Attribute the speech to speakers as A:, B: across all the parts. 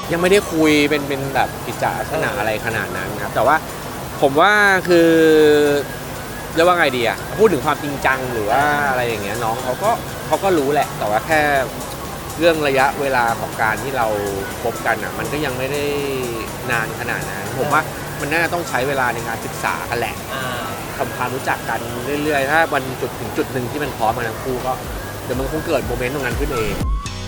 A: ยังไม่ได้คุยเป็นแบบกิจจลักษณะอะไรขนาดนั้นครับแต่ว่าผมว่าคือเรียกว่าไงดีอะพูดถึงความจริงจังหรือว่าอะไรอย่างเงี้ยน้องเขาก็รู้แหละแต่ว่าแค่เรื่องระยะเวลาของการที่เราคบกันอะมันก็ยังไม่ได้นานขนาดนั้นผมว่ามันน่าจะต้องใช้เวลาในการศึกษากันแหละทำความรู้จักกันเรื่อยๆถ้าวันจุดถึงจุดหนึ่งที่มันพร้อมกันทั้งคู่ก็เดี๋ยวมันคงเกิดโมเมนต์ตรงนั้นขึ้นเอง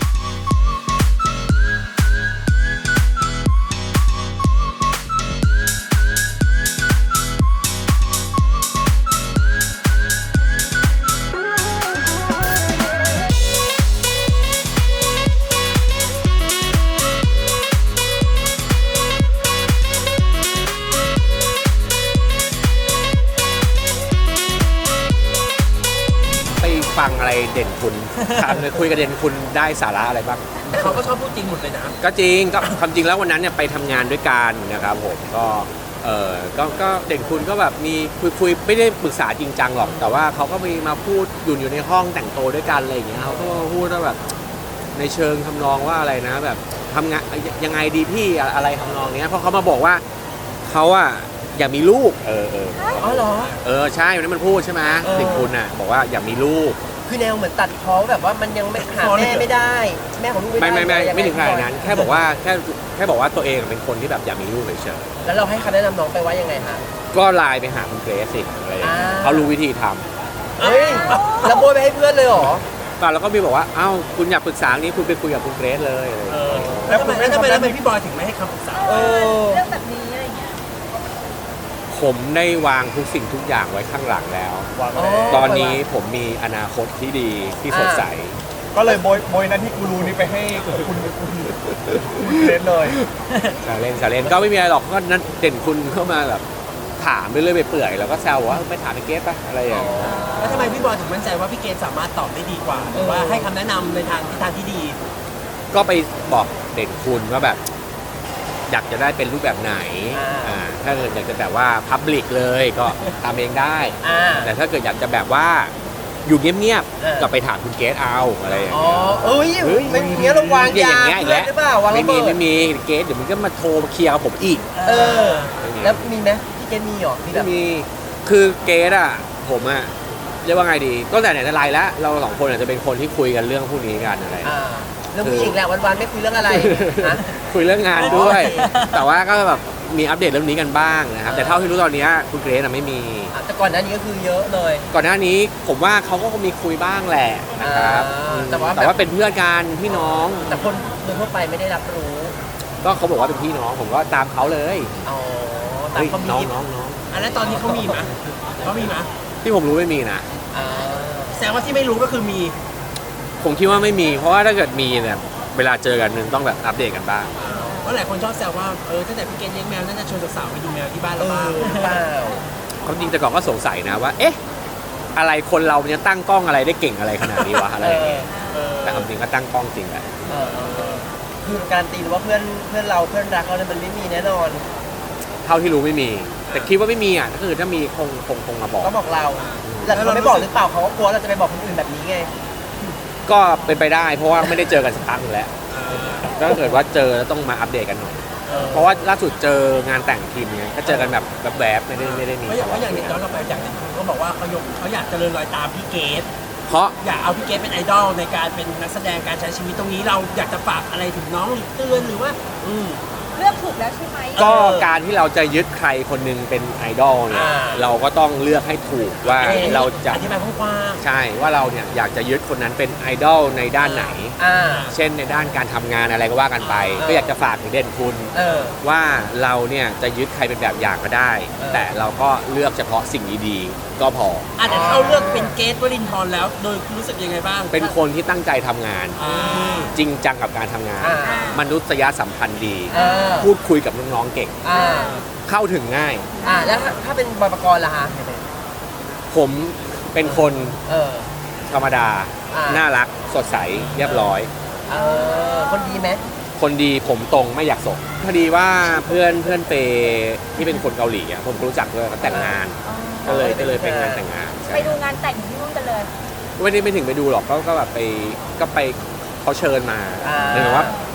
A: ฟังอะไรเด่นคุณถามเลยคุยกับเด่นคุณได้สาระอะไรบ้าง
B: เขาก็ชอบพูดจริงหมดเลยนะ
A: ก็จริงก็ความจริงแล้ววันนั้นเนี่ยไปทำงานด้วยกันนะครับผมก็เด่นคุณก็แบบมีคุยไม่ได้ปรึกษาจริงจังหรอกแต่ว่าเขาก็มีมาพูดอยู่ในห้องแต่งตัวด้วยกันอะไรอย่างเงี้ยเขาก็พูดว่าแบบในเชิงทำนองว่าอะไรนะแบบทำงานยังไงดีพี่อะไรทำนองเนี้ยเพราะเขามาบอกว่าเขาอะอยากมีลูก
B: อ๋อเหรอ
A: ใช่วันนั้นมันพูดใช่ไหมเด็กคุณน่ะบอกว่าอยากมีลูก
B: คือแนวเหมือนตัดพ้อแบบว่ามันยังไม่หาแม่ไม่ได้แม่ของลูก
A: ไม่ถึงขนาดนั้นแค่บอกว่าแค่บอกว่าตัวเองเป็นคนที่แบบอยากมีลูกเฉย
B: ๆแล้วเราให้คำแนะนำน้องไปว่ายังไงฮะ
A: ก็ไลน์ไปหาคุณเกรซสิอะไรอย่างเงี้ยเขารู้วิธีท
B: ำเฮ้ยแล้วโบยไปให้เพื่อนเลยเหรอ
A: ป่ะแล้วก็มีบอกว่าเอ้าคุณอยากปรึกษานี้คุณไปคุยกับคุณเกรซเลย
B: แล้วทำไมพี่บอยถึงไม่ให้คำปรึกษา
C: เรื่องแบบนี้อะไรเงี้ย
A: ผมได้วางทุกสิ่งทุกอย่างไว้ข้างหลังแล้วตอนนี้ผมมีอนาคตที่ดีที่สดใส
D: ก็เลยโบยนั้นที่กูรู้นี่ไปให้คุณเล่นเลย
A: สาเล่นก็ไม่มีอะไรหรอกก็นั่นเด่นคุณเข้ามาแบบถามไปเรื่อยไปเปื่อยแล้วก็แซวว่าไม่ถามพี่เกรซป่ะอะไรอย่างเงี้ย
B: แล้วทำไมพี่บอยถึงมั่นใจว่าพี่เกรซสามารถตอบได้ดีกว่าหรือว่าให้คำแนะนำในทางที่ดี
A: ก็ไปบอกเด่นคุณว่าแบบอยากจะได้เป็นรูปแบบไหนถ้าเกิดอยากจะแบบว่าพับลิกเลยก็ทำเองได้แต่ถ้าเกิดอยากจะแบบว่าอยู่เงียบๆก็ไปถามคุณเกรซเอาอะไรอย่างเงี้ย
B: ไม่มีเงี้ยเราวางยา
A: หรือเปล่าวางไม่มีเกรซเดี๋ยวมันก็มาโทรมาเคลียร์กับผมอีก
B: แล้วมีไหมพี่เกรซมีหรอ
A: ไม่มีคือเกรซอ่ะผมอ่ะเรียกว่าไงดีก็แต่ไหนแต่ไรแล้วเราสองคนอาจจะเป็นคนที่คุยกันเรื่องพวกนี้กันอะไร
B: เรื่องผู้หญิงแหละวันๆไม่คุยเรื่องอะไร
A: คุยเรื่องงานด้วยแต่ว่าก็แบบมีอัปเดตเรื่องนี้กันบ้างนะครับแต่เท่าที่รู้ตอนนี้คุณเกรซไม่มี
B: แต่ก่อนหน้านี้ก็คือเยอะเลย
A: ก่อนหน้านี้ผมว่าเขาก็มีคุยบ้างแหละนะครับแต่ว่าเป็นเพื่อนกันพี่น้อง
B: แต่คนโดยทั่วไปไม่ได้รับรู้
A: ก็เขาบอกว่าเป็นพี่น้องผมก็ตามเขาเลย
B: ตามเขามี
A: น้อง
B: แล้วตอนนี้เขามีไหม
A: ที่ผมรู้ไม่มีนะ
B: แสดงว่าที่ไม่รู้ก็คือมี
A: ผมคิดว่าไม่มีเพราะว่าถ้าเกิดมีเนี่ยเวลาเจอกันนึงต้องแบบอัปเดตกันบ้าง
B: เพราะหลายคนชอบแซวว่าตั้งแต่พี่เกณฑ์เลี้ยงแมวน่าจะชวนสาวๆไปดูแมวที่บ้านเราบ้าง
A: ความจริงแต่ก่อนก็สงสัยนะว่าเอ๊ะอะไรคนเราจะตั้งกล้องอะไรได้เก่งอะไรขนาดนี้วะอะไรอย่างเงี้ยแต่ความจริงก็ตั้งกล้องจริงแหละ
B: คือการตีว่าเพื่อนเราเพื่อนรักเราเนี่ยมันไม่มีแน่นอน
A: เท่าที่รู้ไม่มีแต่คิดว่าไม่มีอ่ะก็คือถ้ามีคงมาบอก
B: ก็บอกเราแต่เขาไม่บอกหรือเปล่าเขาก็กลัวเราจะไปบอกคนอื่นแบบนี้ไง
A: ก็เป็นไปได้เพราะว่าไม่ได้เจอกันสักพักนึงแล้วถ้าเกิดว่าเจอแล้วต้องมาอัปเดตกันหน่อยเพราะว่าล่าสุดเจองานแต่งทีมเนี่ยก็เจอกันแบบแวบๆไม่ได้มี
B: เพราะอย่างนี้ย้อนเราไปจากนั้นเขาบอกว่าเขาอยากเจริญรอยตามพี่เกด
A: เพราะ
B: อยากเอาพี่เกดเป็นไอดอลในการเป็นนักแสดงการใช้ชีวิตตรงนี้เราอยากจะฝากอะไรถึงน้องหรือเตือนหรือว่า
C: เลือกถูกแล้วใช่ไหม
A: ก็การที่เราจะยึดใครคนนึงเป็นไอดอลเนี่ยเราก็ต้องเลือกให้ถูกว่าเราจะ
B: อธิบายกว้าง
A: ใช่ว่าเราเนี่ยอยากจะยึดคนนั้นเป็นไอดอลในด้านไหนเช่นในด้านการทำงานอะไรก็ว่ากันไปก็อยากจะฝากถึงเด่นคุณว่าเราเนี่ยจะยึดใครเป็นแบบอย่างก็ได้แต่เราก็เลือกเฉพาะสิ่งดีๆก็พอ
B: แต่เขาเลือกเป็นเกรซ วรินทร์แล้วโดยรู้สึกยังไงบ้าง
A: เป็นคนที่ตั้งใจทำงานจริงจังกับการทำงานมนุษยสัมพันธ์ดีพูดคุยกับน้องๆเก่งเข้าถึงง่าย
B: แล้วถ้าเป็นบอยปกรณ์ล่ะฮะ
A: ผมเป็นคนธรรมดาน่ารักสดใสเรียบร้อย
B: คนดีไหม
A: คนดีผมตรงไม่อยากส่งพอดีว่าเพื่อนเปที่เป็นคนเกาหลีอ่ะผมรู้จักด้วยเขาแต่งงานก็เลยเป็นงานแต่งงาน
C: ไปดูงานแต่งที่นู่นกันเลย
A: ไม่ถึงไปดูหรอกก็แบบไปเขาเชิญมาหรือว่า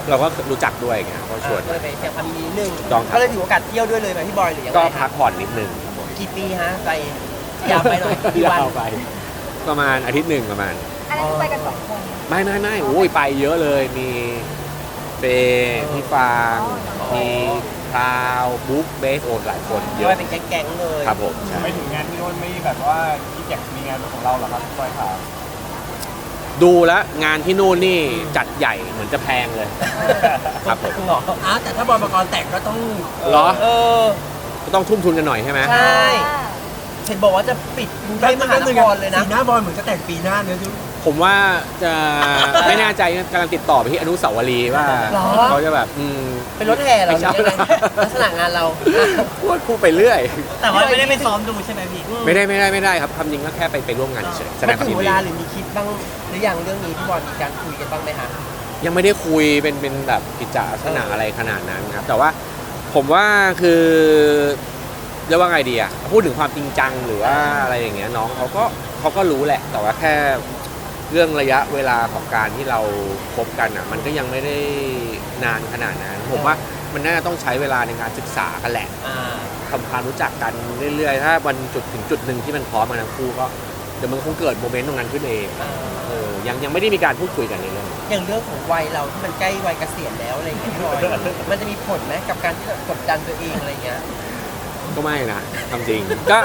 A: เราก็รู้จักด้วยไงก็ชวน
E: ก็เลยไปแสดงความยินดีนิดนึง
A: ต้องครับ
E: ก็เลยถือโอกาสเที่ยวด้วยเลยไหมพี่บอยหรือยังไง
A: ก็
E: ค
A: พั
E: รั
A: ก
E: บ
A: ผ่อนนิดนึง
E: กี่ปีฮะไปยาวไปหน่อยกี่วัน
A: ยาวไปประมาณอาทิตย์หนึ่งประมาณ
C: อันนั้นคือไปกัน2 คน
A: ไม่โอ้ยไปเยอะเลยมีเฟย์พี่ฟางมีพราวบุ๊กเบสโอนหลายคนเย
E: เย
A: อะ
E: อะเป็นแก๊งๆเลย
A: ครับผมใช่
D: ไปถึงงานที่โน่นไม่แบบว่าคิดอยากมีงานเป็นของเราเหรอครับพี่บอยครับ
A: ดูแล้วงานที่นู่นนี่จัดใหญ่เหมือนจะแพงเลยครับผม
E: เหรอ
B: แต่ถ้าบอลประกรณ์แตกก็ต้อง
A: เหรอ
E: เออ
A: ก็ต้องทุ่มทุนกันหน่อยใช่ไหม
E: ใช่ เห็นบอกว่าจะปิดกรุงเทพมหานครเลยนะ
B: สีหน้าบอลเหมือนจะแต่งปีหน้าเนี่ยดู
A: ผมว่าจะไม่แน่ใจกำลังติดต่อไปที่อนุสาวรีย์ว่า
E: หรอ
A: เขาจะแบบ
E: เป็นรถแห่เหรอ
A: ไม่ใช่
E: หรือยังไงลักษณะงานเรา
A: พูดไปเรื่อย
E: แต่ว่าไม่ได้ไปซ้อมดูใช่ไหมพี่
A: ไม่ได้ครับคำจริงก็แค่ไปร่วมงานเฉยๆแสด
E: มั
A: ง
E: น
A: ความ
E: ถึ
A: ยิ
E: ง
A: น
E: เว
A: ดี
E: ลาหรือมีคิดบ้างหรือยังเรื่องนี้พี่บอลมีการคุยกันบ้างไหมฮะ
A: ยังไม่ได้คุยเป็นแบบกิจลักษณะอะไรขนาดนั้นครับ แต่ว่าผมว่าคือเรียกว่าไงดีอะพูดถึงความจริงจังหรือว่าอะไรอย่างเงี้ยน้องเขาก็รู้แหละ แต่ว่าแค่เรื่องระยะเวลาของการที่เราคบกันอะมันก็ยังไม่ได้นานขนาดนั้น ผมว่ามันน่าจะต้องใช้เวลาในการศึกษากันแหละ
E: อ่า
A: ทำความรู้จักกันเรื่อยๆ ถ้าวันจุดถึงจุดหนึ่งที่มันพร้อมกันทั้งคู่ก็เดี๋ยวมันคงเกิดโมเมนต์ตรงนั้นขึ้นเอง ยังไม่ได้มีการพูดคุยกันในเรื่องนี้
E: อย่างเรื่องของวัยเราที่มันใกล้วัยเกษียณแล้วอะไรอย่างเงี้ยพี่บอยมันจะมีผลไหมกับการที่แบบกดดันตัวเองอะไรเงี้ย
A: ก็ไม่นะทำจริง ก็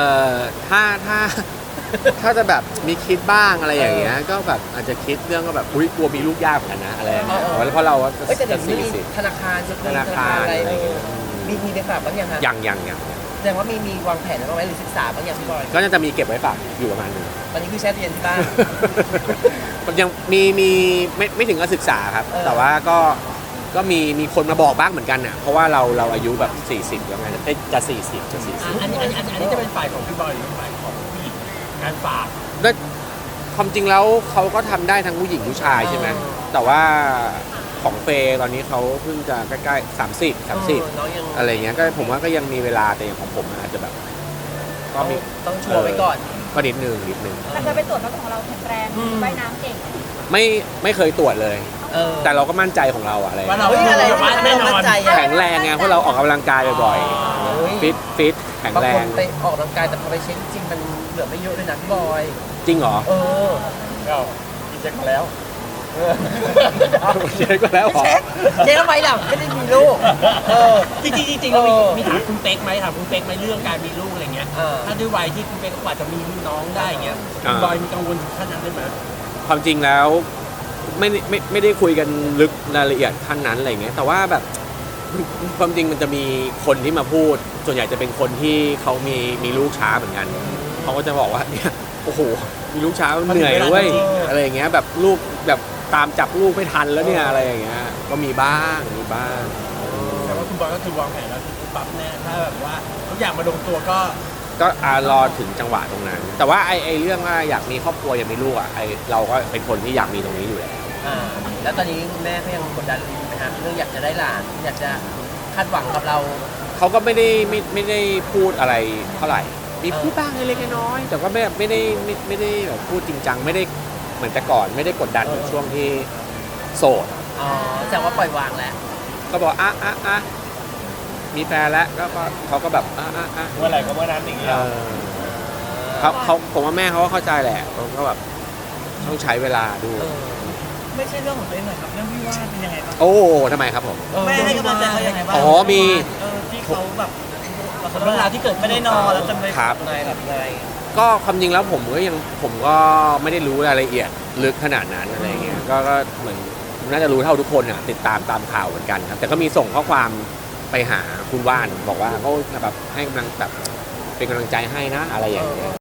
A: ถ้าจะแบบมีคิดบ้างอะไรอย่างเงี้ยก็แบบอาจจะคิดเรื่องก็แบบอุ้ยกลัวมีลูกยากเหมือนกันนะอะไรอย่างเงี้ยเพราะเราก็
E: เอ้ยแต่เดี๋
A: จะ
E: ยวนี้
A: สี่
E: มี
A: สิบ
E: ธนาคารจะมี
A: ธนาคาร
E: อะไร
A: อะไรอย่างเงี้ย
E: มีไปฝากบ้างยังฮะ
A: ยัง
E: แสดงว่ามีวางแผนไว้บ้างไหมหรือศึกษาบ้างยังพี่บอย
A: ก็น่าจะมีเก็บไว้ฝากอยู่ประมาณหนึง
E: ตอนนี้คือแช่ตู้เย็นที่บ้าน
A: มันยังมีไม่ถึงกับศึกษาครับ แต่ว่าก็มีคนมาบอกบ้างเหมือนกันอ่ะเพราะว่าเราอายุแบบ40แล้วไงจะ40
B: อันนี้จะเป็นฝ่ายของพี่บอยหรือฝ่ายของผู้หญิงการฝาก
A: แล้วความจริงแล้วเขาก็ทำได้ทั้งผู้หญิงผู้ชายใช่ไหมแต่ว่าของเฟย์ตอนนี้เขาเพิ่งจะใกล้ๆ30
E: น้องยัง
A: อะไรเงี้ยก็ผมว่าก็ยังมีเวลาแต่อย่างของผมอาจจะแบบก็มี
E: ต้องชัวร์ไว้ก่อน
A: ก็นิดนึง
C: แต่เคยไปตรวจแล้วของเราแข็งแรงว่ายน้ำเก่ง
A: ไม่เคยตรวจเลย แต่เราก็มั่นใจของเราอะอะไร
B: ว่าเรา
E: เฮ้ยอะไร
B: ว่าแน่นอน
E: ใจอะ
A: แข็งแรงไงเพราะเราออกกำลังกายบ่อย
E: เฮ้ย
A: ๆฟิตแข็ง
E: บาง
A: แร
E: คน
A: ง
E: ไปออกกำลังกายแต่พอไปเช็คจริงมันเหลือไม่เยอะเลยนะพี่บอย
A: จริงเหรอ
D: ก็มีเช็คมาแล้ว
A: เช็คก็แล้วเหรอ
E: เช็คทำไมล่ะไม่ได้มีลูก
B: จริงเรามีถามคุณเป๊กไหมเรื่องการมีลูกอะไรเงี้ยถ้าด้วยวัยที่คุณเป๊กกว่าจะมีน้องได้เงี้ยคุณบอยมีกังวลถึงขนาดนั้นไหม
A: ความจริงแล้วไม่ได้คุยกันลึกรายละเอียดขั้นนั้นอะไรเงี้ยแต่ว่าแบบความจริงมันจะมีคนที่มาพูด ส่วนใหญ่จะเป็นคนที่เขามีลูกช้าเหมือนกันเขาก็จะบอกว่าเนี่ยโอ้โหมีลูกช้ามันเหนื่อยด้วยอะไรอย่างเงี้ยแบบลูกแบบตามจับลูกไม่ทันแล้วเนี่ยอะไรอย่างเงี้ยก็มีบ้าง
B: แต่ว่าคุณบอยก็คือวางแผนแล้วคือปั๊บแน่ถ้าแบบว่าทุกอย่างมาลงตัวก็
A: รอถึงจังหวะตรงนั้น แต่ว่าไอ้เรื่องว่าอยากมีครอบครัวอยากมีลูกอ่ะเราก็เป็นคนที่อยากมีตรงนี้อยู่แล้ว
E: แล้วตอนนี้คุณแม่เขายังกดดันอยู่ไหมฮะเรื่องอยากจะได้หลานอยากจะคาดหวังกับเรา
A: เขาก็ไม่ได้พูดอะไรเท่าไหร่ มีพูดบ้างเล็กๆน้อยๆแต่ก็ไม่ได้แบบพูดจริงจังไม่ได้เหมือนแต่ก่อนไม่ได้กดดันเหมือนช่วงที่โสด
E: อ๋อแสดงว่าปล่อยวางแล้ว
A: ก็บอกมีแฟนแล้วก็เขาก็แบบ
D: เมื่อไหร่ก็เมื่อนั้นอย่างเงี้ย
A: เขาผมว่าแม่เขาก็เข้าใจแหละเขาก็แบบต้องใช้เวลาดู
F: ไม่ใช่เรื่องของตัวเองหน่อยครับเรื่องวิวาทเป็นยังไงบ้าง
A: โอ้ทำไมครับผม
F: แม่ให้กำลังใจเขายังไงบ้าง
A: อ๋อมี
F: ที่เขาแบบ
B: เรื่องราวที่เกิด
F: ไม่ได้นอนแล้วจนไป
A: ครับ
E: ไงแบบไง
A: ก็ความจริงแล้วผมก็ไม่ได้รู้รายละเอียดลึกขนาดนั้นอะไรเงี้ยก็เหมือนน่าจะรู้เท่าทุกคนอ่ะติดตามข่าวเหมือนกันครับแต่ก็มีส่งข้อความไปหาคุณว่านบอกว่าเขาแบบให้กำลังแบบเป็นกำลังใจให้นะอะไรอย่างเงี้ย